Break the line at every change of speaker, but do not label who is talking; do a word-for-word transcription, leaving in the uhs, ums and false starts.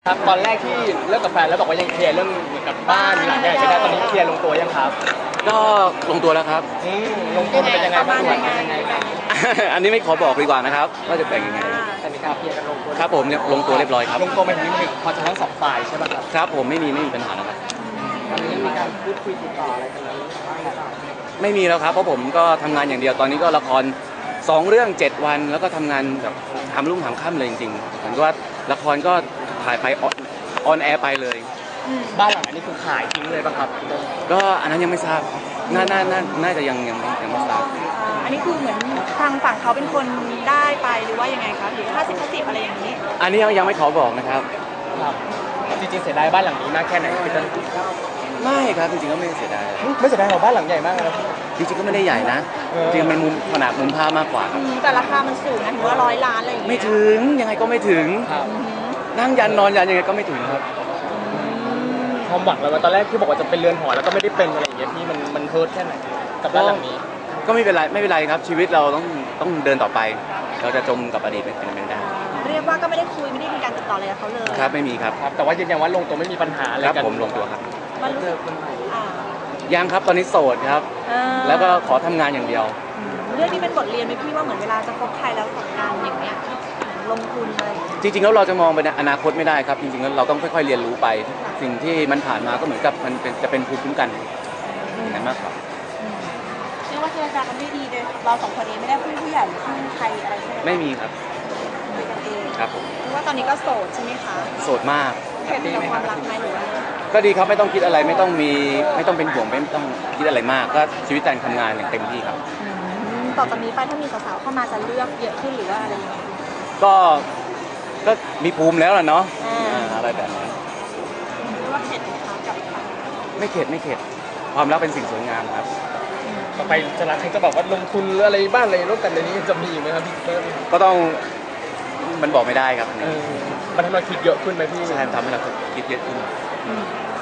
ครับตอนแรกที่เลิกกับแฟนแล้วบอกว่ายังเคลียร์เรื่องเหมือนกับบ้านหลังใหญ่ไม่ได้ตอนนี้เคลียร์ลงตัวยังครับ
ก็ลงตัวแล้วครับ
อืมลงตัวเป็นยังไงบ้างส่วนเป็นยังไงบ้าง
อันนี้ไม่ขอบอกดีกว่านะครับว่าจะแบ่งยังไง
แต่มีการเคลียร์กันลงตัว
ครับผมลงตัวเรียบร้อยครับ
ลงตัวไปถึงหนึ่งพอจะทั้งสองฝ่ายใช่ไหมครับ
ครับผมไม่มีไม่มีปัญหาแล้วครับ
ตอนนี้มีการพูดคุยติดต่ออะไรกันแล้วบ้างหรือเปล่า
ไม่มีแล้วครับเพราะผมก็ทำงานอย่างเดียวตอนนี้ก็ละครสองเรื่องเจ็ดวันแล้วก็ทำงานแบบทำรุ่งทำค่ำเลยจริงๆเหมือนกับว่าละครก็ถ่ายไปออนแอร์ไปเลย
บ้านหลังอันนี้คือขายทิ้งเลยป่ะครับ
ก็อันนั้นยังไม่ทราบน่าน่าน่าน่าจะยังยังยังไม่ทราบ
อันนี้คือเหมือนทางฝั่งเขาเป็นคนได้ไปหรือว่ายังไงคะหรือห้าสิบห้าสิบอะไรอย่างนี้
อันนี้ยังไม่ขอบอกนะครับ
ครับจริงๆเสียดายบ้านหลังนี้มากแค่ไหนพี่ต้น
ไม่ครับจริงๆก็ไม่เสียดาย
ไม่เสียดายหรอกบ้านหลังใหญ่มากนะ
จริงๆก็ไม่ได้ใหญ่นะ
เออ
จริงๆมันมุมขนาดมุมภาพมากกว่าครับ
อืมแต่ราคามันสูงนะถือว่าร้อยล้านอะไรอย่างเงี้ย
ไม่ถึงยังไงก็ไม่ถึง
ครับ
อืม
นั่งยันนอนยันยังไงก็ไม่ถึงครับ
ความหวังเราตอนแรกที่บอกว่าจะเป็นเรือนหอแล้วก็ไม่ได้เป็นอะไรอย่างเงี้ยพี่มันมันเฮิร์ตแค่ไหนกับบ้านหลังนี้
ก็ไม่เป็นไรไม่เป็นไรครับชีวิตเราต้องต้องเดินต่อไป เราจะจมกับอดีตเป็นไปไม่ได้
เรียกว่าก็ไม่ได้คุยไม่ได้มีการติดต่ออะไรกับเขาเลย
ครับไม่มีครับ
ครับแต่ว่ายืนยันว่าลงตัวไม่มีปัญหาอะไร
ครับ
กัน
ผมลงตัวครับ
มันรู้สึกอ่า
ยังครับตอนนี้โสดครับ
อ่า
แล้วก็ขอทำงานอย่างเดียว
อืมเรื่องนี้เป็นบทเรียนไหมพี่ว่าเหมือนเวลาจะคบใครแล้วกับการอย่างเงี้ยลงทุนอะไรอย่างเงี้ย
จริงๆแล้วเราจะมองไปในอนาคตไม่ได้ครับ จริงๆแล้วเราต้องค่อยๆเรียนรู้ไป สิ่งที่มันผ่านมาก็เหมือนกับมันเป็นจะเป็นภูมิคุ้มกันอย่างนั้นมากกว่า
เรียกว่าเจรจากันได้ดีเลยเราสองคนเองไม่ได้พึ่งผู้ใหญ่หรือพึ่งใครอะไรใช่ไหม
ไม่มีครับ
คุยกันเอง
ครับผม
เรียกว่าตอนนี้ก็โสดใช่ไหมคะ
โสดมาก
แฮปปี้กับความรักไหมหรือว่า
ก็ดีครับไม่ต้องคิดอะไรไม่ต้องมีไม่ต้องเป็นห่วงไม่ต้องคิดอะไรมาก ก็ชีวิตการทำงานอย่างเต็มที่ครับ
อืมต่อจากนี้ไปถ้ามีสาวๆเข้ามาจะเลือกเยอะขึ้นหรือว่าอะไรยังไง
ก็ก็มีภูมิแล้วล่ะเนาะ
อ่า
อ่าอะไรแบบนั้น
เรียกว่าเข็ดไหมคะกับทาง
ไม่เข็ดไม่เข็ดความรักเป็นสิ่งสวยงามครับ
ต่อไปจะรักจะบอกว่าลงทุนหรืออะไรบ้านอะไรร่วมกันในนี้จะมีอีกไหมครับพี่เติ้ล
ก็ต้องมันบอกไม่ได้ครับ
เออมันทำให้เราคิดเยอะขึ้นไหมพี่
ใช่มันทำให้เราคิดเยอะขึ้น
อืม